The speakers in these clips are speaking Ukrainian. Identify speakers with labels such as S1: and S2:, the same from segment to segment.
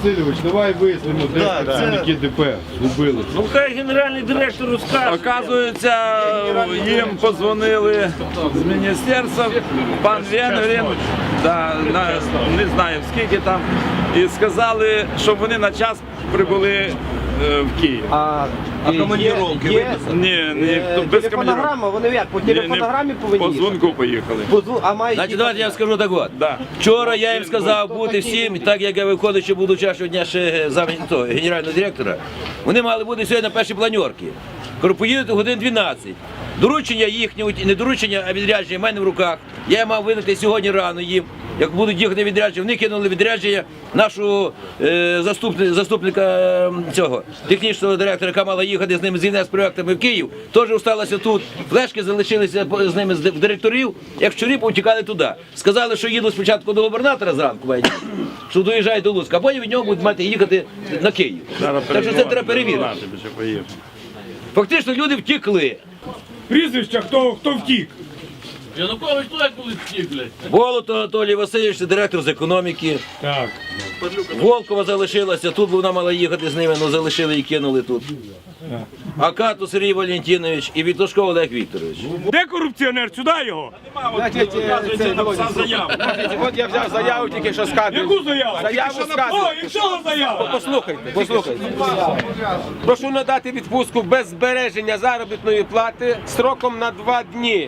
S1: Васильович, давай вияснимо, де працівники ДП згубили.
S2: Ну хай генеральний директор розкаже.
S3: Оказується, їм подзвонили з міністерства, пан Венгрин, не знаю скільки там, і сказали, щоб вони на час прибули в Київ.
S4: А командировки виписали?
S3: Ні, без
S4: телефонограма, вони як, по телефонограмі повинні
S3: по
S4: їхати?
S3: дзвонку поїхали.
S4: А мають
S5: Значить, давайте я скажу так от.
S3: Да.
S5: Вчора я їм сказав бути всім, так як я виконуючи буду чашого дня ще генерального директора, вони мали бути сьогодні на першій планерці. Кажу, поїдете годин 12. Доручення їхнє, не доручення, а відрядження в мене в руках. Я мав видати сьогодні рано їм. Як будуть їхати відрядження, вони кинули відрядження нашого заступника цього технічного директора, яка мала їхати з ними з ІНС проєктами в Київ, теж залишилася тут. Флешки залишилися з ними в директорів, як вчора повтікали туди. Сказали, що їдуть спочатку до губернатора зранку, що доїжджають до Луцька, а потім від нього будуть мати їхати на Київ. Так що це треба перевірити. Фактично люди втікли.
S6: Прізвища, хто втік?
S2: Янукович так коли втік, блядь.
S5: Болото Анатолій Васильович, це директор з економіки.
S6: Так.
S5: Волкова залишилася, тут вона мала їхати з ними, але залишили і кинули тут. Акату Сергій Валентинович і Вітошко Олег Вікторович.
S6: Де корупціонер? Сюди його!
S4: От я взяв заяву тільки що з кадрів.
S6: Яку заяву?
S4: Заяву з кадрів.
S6: О, і що заява?
S4: Послухайте. Прошу надати відпустку без збереження заробітної плати строком на 2 дні.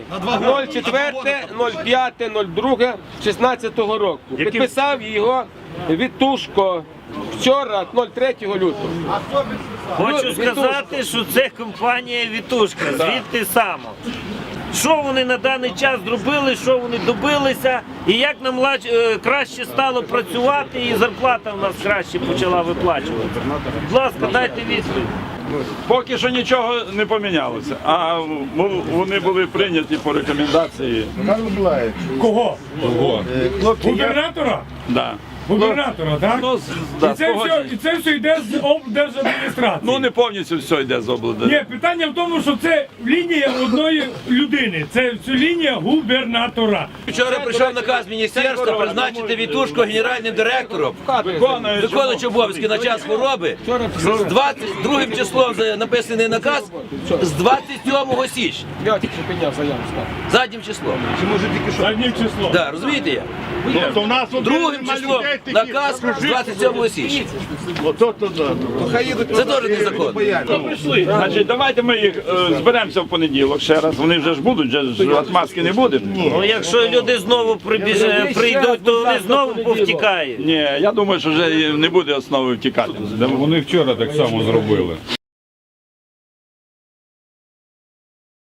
S4: 04.05.02.16 року. Підписав його Вітушко вчора, 03 лютого.
S2: Хочу сказати, що це компанія Вітушка, звідти само. Що вони на даний час зробили, що вони добилися, і як нам краще стало працювати, і зарплата в нас краще почала виплачувати. Будь ласка, дайте відповідь.
S3: Поки що нічого не помінялося, а вони були прийняті по рекомендації.
S6: Кого? Губернатора?
S3: Да.
S6: Губернатора, так?
S3: Ну, да,
S6: І це все йде з облдержадміністрації.
S3: Ну не повністю все йде з області.
S6: Ні, питання в тому, що це лінія одної людини. Це лінія губернатора.
S5: Вчора прийшов наказ міністерства призначити Вітушко генеральним директором, виконуючи обов'язки на час хвороби. З 22 числом написаний наказ з 27 січня.
S4: Я тільки підняв заяву з кадрів.
S5: Заднім числом.
S6: Заднім числом.
S5: Да, розумієте я? Другим числом наказ з 27 січня. Це теж незаконно.
S3: Значить, давайте ми їх зберемося в понеділок ще раз. Вони вже ж будуть, вже ж отмазки не буде.
S2: Ну якщо люди знову прийдуть, то вони знову повтікають.
S3: Ні, я думаю, що вже не буде основи втікати.
S1: Вони вчора так само зробили.